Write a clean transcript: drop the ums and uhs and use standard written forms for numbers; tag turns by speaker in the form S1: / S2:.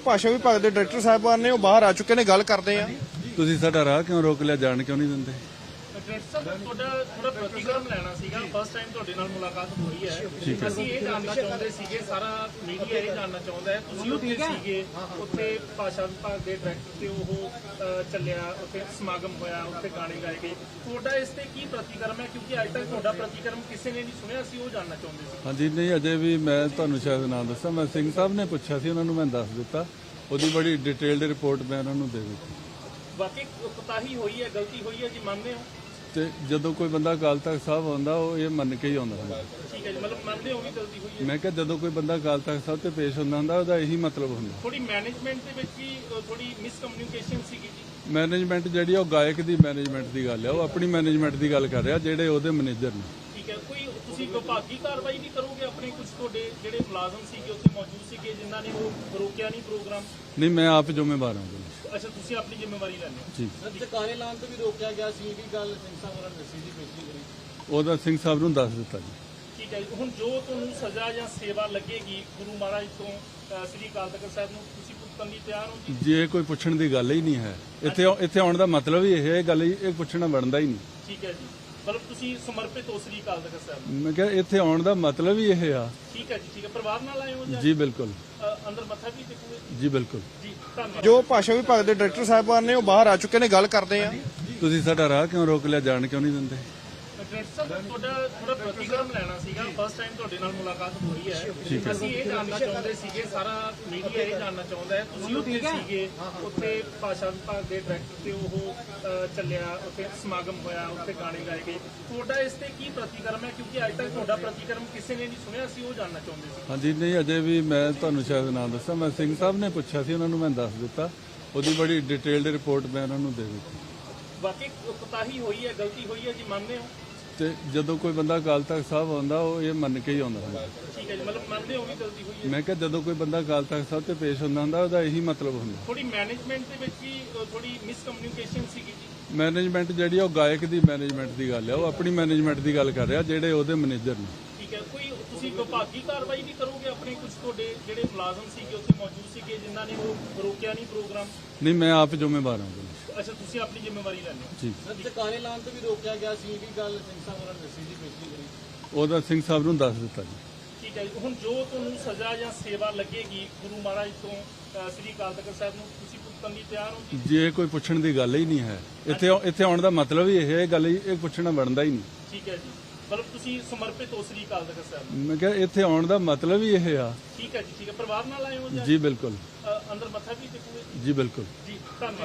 S1: ਭਾਸ਼ਾ ਵਿਭਾਗ ਦੇ ਡਾਇਰੈਕਟਰ ਸਾਹਿਬਾਨ ਨੇ ਉਹ ਬਾਹਰ ਆ ਚੁੱਕੇ ਨੇ, ਗੱਲ ਕਰਦੇ ਆ।
S2: ਤੁਸੀਂ ਸਾਡਾ ਰਾਹ ਕਿਉਂ ਰੋਕ ਲਿਆ, ਜਾਣ ਕਿਉਂ ਨਹੀਂ ਦਿੰਦੇ?
S3: ਡਾਇਰੈਕਟਰ ਸਾਹਿਬ ਤੁਹਾਡਾ ਥੋੜਾ ਪ੍ਰਤੀਕਰਮ ਲੈਣਾ ਸੀਗਾ। ਫਸਟ ਟਾਈਮ ਤੁਹਾਡੇ ਨਾਲ ਮੁਲਾਕਾਤ ਹੋਈ ਹੈ। ਅਸੀਂ ਇਹ ਜਾਣਨਾ ਚਾਹੁੰਦੇ ਸੀਗੇ, ਸਾਰਾ ਮੀਡੀਆ ਇਹ ਜਾਣਨਾ ਚਾਹੁੰਦਾ ਹੈ, ਤੁਸੀਂ ਉੱਥੇ ਸੀਗੇ, ਉੱਥੇ ਭਾਸ਼ਾ ਵਿਭਾਗ ਦੇ ਡਾਇਰੈਕਟਰ ਤੇ ਉਹ ਚੱਲਿਆ, ਉੱਥੇ ਸਮਾਗਮ ਹੋਇਆ, ਉੱਥੇ ਗਾਣੇ ਗਾਏ ਗਏ, ਤੁਹਾਡਾ ਇਸ ਤੇ ਕੀ ਪ੍ਰਤੀਕਰਮ ਹੈ? ਕਿਉਂਕਿ ਅੱਜ ਤੱਕ ਤੁਹਾਡਾ ਪ੍ਰਤੀਕਰਮ ਕਿਸੇ ਨੇ ਨਹੀਂ ਸੁਣਿਆ, ਅਸੀਂ ਉਹ ਜਾਣਨਾ ਚਾਹੁੰਦੇ ਸੀ।
S2: ਹਾਂਜੀ, ਨਹੀਂ ਅਜੇ ਵੀ ਮੈਂ ਤੁਹਾਨੂੰ ਸ਼ਾਇਦ ਨਾ ਦੱਸਾਂ, ਮੈਂ ਸਿੰਘ ਸਾਹਿਬ ਨੇ ਪੁੱਛਿਆ ਸੀ, ਉਹਨਾਂ ਨੂੰ ਮੈਂ ਦੱਸ ਦਿੱਤਾ, ਉਹਦੀ ਬੜੀ ਡਿਟੇਲਡ ਰਿਪੋਰਟ ਮੈਂ ਉਹਨਾਂ ਨੂੰ ਦੇ ਦਿੱਤੀ।
S3: ਬਾਕੀ ਕੋਤਾਹੀ ਹੋਈ ਹੈ, ਗਲਤੀ ਹੋਈ ਹੈ ਜੀ, ਮੰਨਦੇ ਹੋ?
S2: ਤੇ ਜਦੋਂ ਕੋਈ ਬੰਦਾ ਅਕਾਲ ਤਖਤ ਸਾਹਿਬ ਆਉਂਦਾ ਉਹ ਇਹ ਮੰਨ ਕੇ ਹੀ ਆਉਂਦਾ ਹੁੰਦਾ।
S3: ਠੀਕ ਹੈ ਜੀ, ਮਤਲਬ ਮੰਨਦੇ ਹੋ ਵੀ ਗਲਤੀ ਹੋਈ ਹੈ?
S2: ਮੈਂ ਕਿਹਾ ਜਦੋਂ ਕੋਈ ਬੰਦਾ ਅਕਾਲ ਤਖਤ ਸਾਹਿਬ ਤੇ ਪੇਸ਼ ਹੁੰਦਾ ਉਹਦਾ ਇਹੀ ਮਤਲਬ ਹੁੰਦਾ।
S3: ਥੋੜੀ ਮੈਨੇਜਮੈਂਟ ਦੇ ਵਿੱਚ ਵੀ ਥੋੜੀ ਮਿਸਕਮਿਊਨੀਕੇਸ਼ਨ ਸੀਗੀ ਜੀ।
S2: ਮੈਨੇਜਮੈਂਟ ਜਿਹੜੀ ਉਹ ਗਾਇਕ ਦੀ ਮੈਨੇਜਮੈਂਟ ਦੀ ਗੱਲ ਹੈ, ਉਹ ਆਪਣੀ ਮੈਨੇਜਮੈਂਟ ਦੀ ਗੱਲ ਕਰ ਰਿਹਾ, ਜਿਹੜੇ ਉਹਦੇ ਮੈਨੇਜਰ ਨੇ।
S3: ਠੀਕ ਹੈ, ਕੋਈ ਤੁਸੀਂ ਵਿਭਾਗੀ ਕਾਰਵਾਈ ਵੀ ਕਰੋਗੇ? ਆਪਣੇ ਕੁਝ ਤੁਹਾਡੇ ਜਿਹੜੇ ਮੁਲਾਜ਼ਮ ਸੀਗੇ ਉੱਥੇ ਮੌਜੂਦ ਸੀਗੇ ਜਿਨ੍ਹਾਂ ਨੇ ਉਹ ਰੋਕਿਆ ਨਹੀਂ ਪ੍ਰੋਗਰਾਮ?
S2: ਨਹੀਂ, ਮੈਂ ਆਪ ਜ਼ਿੰਮੇਵਾਰ ਹਾਂ।
S3: ਅੱਛਾ, ਤੁਸੀਂ ਆਪਣੀ ਜ਼ਿੰਮੇਵਾਰੀ ਲੈਂਦੇ ਹੋ
S2: ਜੀ।
S3: ਦੁਕਾਨੇ ਲਾਉਣ ਤੋਂ ਵੀ ਰੋਕਿਆ ਗਿਆ ਸੀ, ਇਹ ਵੀ ਗੱਲ ਸਿੰਘ ਸਾਹਿਬ ਹੋਰਾਂ ਨੇ ਦੱਸੀ ਸੀ ਪਿਛਲੀ ਵਾਰੀ।
S2: ਉਹਦਾ ਸਿੰਘ ਸਾਹਿਬ ਨੂੰ ਦੱਸ ਦਿੱਤਾ ਜੀ।
S3: ਠੀਕ ਹੈ ਜੀ, ਹੁਣ ਜੋ ਤੁਹਾਨੂੰ ਸਜ਼ਾ ਜਾਂ ਸੇਵਾ ਲੱਗੇਗੀ ਗੁਰੂ ਮਹਾਰਾਜ ਤੋਂ ਸ੍ਰੀ ਅਕਾਲ ਤਖਤ ਸਾਹਿਬ ਨੂੰ, ਤੁਸੀਂ ਭੁਗਤਣ ਲਈ ਤਿਆਰ ਹੋ ਜੀ?
S2: ਜੇ ਕੋਈ ਪੁੱਛਣ ਦੀ ਗੱਲ ਹੀ ਨਹੀਂ ਹੈ, ਇੱਥੇ ਆਉਣ ਦਾ ਮਤਲਬ ਹੀ ਇਹ ਗੱਲ ਹੀ, ਇਹ ਪੁੱਛਣਾ ਬਣਦਾ ਹੀ ਨਹੀਂ।
S3: ਠੀਕ ਹੈ ਜੀ, ਮਤਲਬ ਤੁਸੀਂ ਸਮਰਪਿਤ ਹੋ ਸ੍ਰੀ ਅਕਾਲ ਤਖਤ ਸਾਹਿਬ ਨੂੰ?
S2: ਮੈਂ ਕਿਹਾ ਇੱਥੇ ਆਉਣ ਦਾ ਮਤਲਬ ਹੀ ਇਹ ਆ।
S3: ਠੀਕ ਹੈ ਜੀ, ਠੀਕ ਹੈ। ਪਰਿਵਾਰ ਨਾਲ ਆਏ ਹੋ ਜਾਂ
S2: ਜੀ ਬਿਲਕੁਲ।
S3: ਅੰਦਰ ਮੱਥਾ ਵੀ ਟੇਕੋਗੇ?
S2: ਜੀ ਬਿਲਕੁਲ।
S3: ਜੀ, ਧੰਨਵਾਦ।
S1: ਜੋ ਭਾਸ਼ਾ ਵਿਭਾਗ ਦੇ ਡਾਇਰੈਕਟਰ ਸਾਹਿਬਾਨ ਨੇ ਉਹ ਬਾਹਰ ਆ ਚੁੱਕੇ ਨੇ, ਗੱਲ ਕਰਦੇ ਆ।
S2: ਤੁਸੀਂ ਸਾਡਾ ਰਾਹ ਕਿਉਂ ਰੋਕ ਲਿਆ, ਜਾਣ ਕਿਉਂ ਨਹੀਂ ਦਿੰਦੇ?
S3: ਡਾਇਰੈਕਟਰ ਸਾਹਿਬ ਤੁਹਾਡਾ ਥੋੜਾ ਪ੍ਰਤੀਕਰਮ ਲੈਣਾ ਸੀਗਾ। ਫਸਟ ਟਾਈਮ ਤੁਹਾਡੇ ਨਾਲ ਮੁਲਾਕਾਤ ਹੋਈ ਹੈ। ਅਸੀਂ ਇਹ ਜਾਣਨਾ ਚਾਹੁੰਦੇ ਸੀਗੇ, ਸਾਰਾ ਮੀਡੀਆ ਇਹ ਜਾਣਨਾ ਚਾਹੁੰਦਾ ਹੈ, ਤੁਸੀਂ ਉੱਥੇ ਸੀਗੇ, ਉੱਥੇ ਭਾਸ਼ਾ ਵਿਭਾਗ ਦੇ ਡਾਇਰੈਕਟਰ ਤੇ ਉਹ ਚੱਲਿਆ, ਉੱਥੇ ਸਮਾਗਮ ਹੋਇਆ, ਉੱਥੇ ਗਾਣੇ ਗਾਏ ਗਏ, ਤੁਹਾਡਾ ਇਸ ਤੇ ਕੀ ਪ੍ਰਤੀਕਰਮ ਹੈ? ਕਿਉਂਕਿ ਅੱਜ ਤੱਕ ਤੁਹਾਡਾ ਪ੍ਰਤੀਕਰਮ ਕਿਸੇ ਨੇ ਨਹੀਂ ਸੁਣਿਆ, ਅਸੀਂ ਉਹ ਜਾਣਨਾ ਚਾਹੁੰਦੇ ਸੀ।
S2: ਹਾਂਜੀ, ਨਹੀਂ ਅਜੇ ਵੀ ਮੈਂ ਤੁਹਾਨੂੰ ਸ਼ਾਇਦ ਨਾ ਦੱਸਾਂ, ਮੈਂ ਸਿੰਘ ਸਾਹਿਬ ਨੇ ਪੁੱਛਿਆ ਸੀ, ਉਹਨਾਂ ਨੂੰ ਮੈਂ ਦੱਸ ਦਿੱਤਾ, ਉਹਦੀ ਬੜੀ ਡਿਟੇਲਡ ਰਿਪੋਰਟ ਮੈਂ ਉਹਨਾਂ ਨੂੰ ਦੇ ਦਿੱਤੀ।
S3: ਬਾਕੀ ਕੋਤਾਹੀ ਹੋਈ ਹੈ, ਗਲਤੀ ਹੋਈ ਹੈ ਜੀ, ਮੰਨਦੇ ਹੋ?
S2: ਤੇ ਜਦੋਂ ਕੋਈ ਬੰਦਾ ਅਕਾਲ ਤਖਤ ਸਾਹਿਬ ਆਉਂਦਾ ਉਹ ਇਹ ਮੰਨ ਕੇ ਹੀ ਆਉਂਦਾ ਹੁੰਦਾ।
S3: ਠੀਕ ਹੈ ਜੀ, ਮਤਲਬ ਮੰਨਦੇ ਹੋ ਵੀ ਗਲਤੀ ਹੋਈ ਹੈ?
S2: ਮੈਂ ਕਿਹਾ ਜਦੋਂ ਕੋਈ ਬੰਦਾ ਅਕਾਲ ਤਖਤ ਸਾਹਿਬ ਤੇ ਪੇਸ਼ ਹੁੰਦਾ ਉਹਦਾ ਇਹੀ ਮਤਲਬ ਹੁੰਦਾ।
S3: ਥੋੜੀ ਮੈਨੇਜਮੈਂਟ ਦੇ ਵਿੱਚ ਵੀ ਥੋੜੀ ਮਿਸਕਮਿਊਨੀਕੇਸ਼ਨ ਸੀਗੀ ਜੀ।
S2: ਮੈਨੇਜਮੈਂਟ ਜਿਹੜੀ ਉਹ ਗਾਇਕ ਦੀ ਮੈਨੇਜਮੈਂਟ ਦੀ ਗੱਲ ਹੈ, ਉਹ ਆਪਣੀ ਮੈਨੇਜਮੈਂਟ ਦੀ ਗੱਲ ਕਰ ਰਿਹਾ, ਜਿਹੜੇ ਉਹਦੇ ਮੈਨੇਜਰ ਨੇ।
S3: ਠੀਕ ਹੈ, ਕੋਈ ਤੁਸੀਂ ਵਿਭਾਗੀ ਕਾਰਵਾਈ ਵੀ ਕਰੋਗੇ? ਆਪਣੇ ਕੁਝ ਤੁਹਾਡੇ ਜਿਹੜੇ ਮੁਲਾਜ਼ਮ ਸੀਗੇ ਉੱਥੇ ਮੌਜੂਦ ਸੀਗੇ ਜਿਨ੍ਹਾਂ ਨੇ ਉਹ ਰੋਕਿਆ ਨਹੀਂ ਪ੍ਰੋਗਰਾਮ?
S2: ਨਹੀਂ, ਮੈਂ ਆਪ ਜ਼ਿੰਮੇਵਾਰ ਹਾਂ।
S3: ਅੱਛਾ, ਤੁਸੀਂ ਆਪਣੀ ਜ਼ਿੰਮੇਵਾਰੀ ਲੈਂਦੇ ਹੋ
S2: ਜੀ।
S3: ਦੁਕਾਨੇ ਲਾਉਣ ਤੋਂ ਵੀ ਰੋਕਿਆ ਗਿਆ ਸੀ, ਇਹ ਵੀ ਗੱਲ ਸਿੰਘ ਸਾਹਿਬ ਹੋਰਾਂ ਨੇ ਦੱਸੀ ਸੀ ਪਿਛਲੀ ਵਾਰੀ।
S2: ਉਹਦਾ ਸਿੰਘ ਸਾਹਿਬ ਨੂੰ ਦੱਸ ਦਿੱਤਾ ਜੀ।
S3: ਠੀਕ ਹੈ ਜੀ, ਹੁਣ ਜੋ ਤੁਹਾਨੂੰ ਸਜ਼ਾ ਜਾਂ ਸੇਵਾ ਲੱਗੇਗੀ ਗੁਰੂ ਮਹਾਰਾਜ ਤੋਂ ਸ੍ਰੀ ਅਕਾਲ ਤਖਤ ਸਾਹਿਬ ਨੂੰ, ਤੁਸੀਂ ਭੁਗਤਣ ਲਈ ਤਿਆਰ ਹੋ ਜੀ?
S2: ਜੇ ਕੋਈ ਪੁੱਛਣ ਦੀ ਗੱਲ ਹੀ ਨਹੀਂ ਹੈ, ਇੱਥੇ ਆਉਣ ਦਾ ਮਤਲਬ ਹੀ ਇਹ ਗੱਲ ਹੀ, ਇਹ ਪੁੱਛਣਾ ਬਣਦਾ ਹੀ ਨਹੀਂ।
S3: ਠੀਕ ਹੈ ਜੀ, ਮਤਲਬ ਤੁਸੀਂ ਸਮਰਪਿਤ ਹੋ ਸ੍ਰੀ ਅਕਾਲ ਤਖਤ ਸਾਹਿਬ ਨੂੰ?
S2: ਮੈਂ ਕਿਹਾ ਇੱਥੇ ਆਉਣ ਦਾ ਮਤਲਬ ਹੀ ਇਹ ਆ।
S3: ਠੀਕ ਹੈ ਜੀ, ਠੀਕ ਹੈ। ਪਰਿਵਾਰ ਨਾਲ ਆਏ ਹੋ ਜਾਂ
S2: ਜੀ ਬਿਲਕੁਲ।
S3: ਅੰਦਰ ਮੱਥਾ ਵੀ ਟੇਕੋਗੇ?
S2: ਜੀ ਬਿਲਕੁਲ।
S3: ਜੀ, ਧੰਨਵਾਦ।